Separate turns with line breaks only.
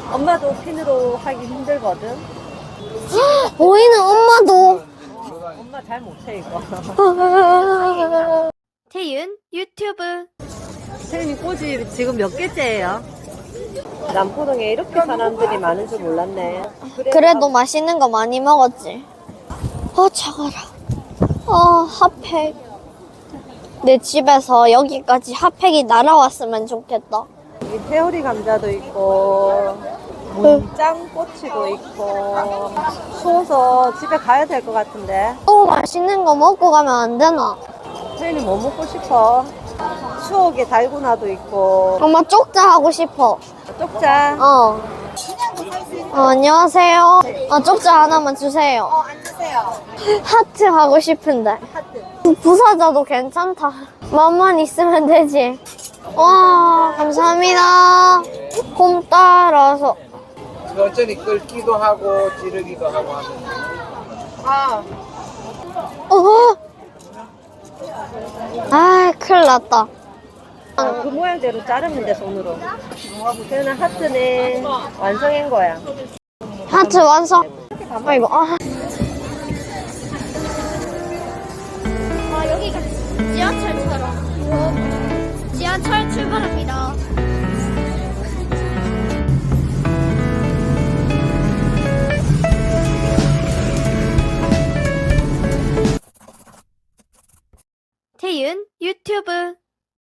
엄마도 핀으로 하기 힘들거든.
보이는 엄마도.
엄마 잘 못해 이거.
태윤 유튜브.
태윤이 꽃이 지금 몇 개째예요? 남포동에 이렇게 사람들이 많은 줄 몰랐네.
그래도 맛있는 거 많이 먹었지. 차가라. 핫팩. 내 집에서 여기까지 핫팩이 날아왔으면 좋겠다.
여기 페오리 감자도 있고 문짱꼬치도 있고. 추워서 집에 가야 될 것 같은데.
맛있는 거 먹고 가면 안 되나?
태윤이 뭐 먹고 싶어? 추억의 달고나도 있고.
엄마 쪽자 하고 싶어.
쪽자.
안녕하세요. 쪽자 하나만 주세요.
안 주세요.
하트 하고 싶은데.
하트.
부사자도 괜찮다. 맘만 있으면 되지. 와, 감사합니다. 곰 따라서.
천천히 끓기도 하고 지르기도 하고 하면
큰일 났다.
그 모양대로 자르면 돼, 손으로. 태연아, 하트는 완성한 거야.
하트 완성. 아이고. 여기가 지하철처럼. 지하철 출발합니다. 태윤 유튜브.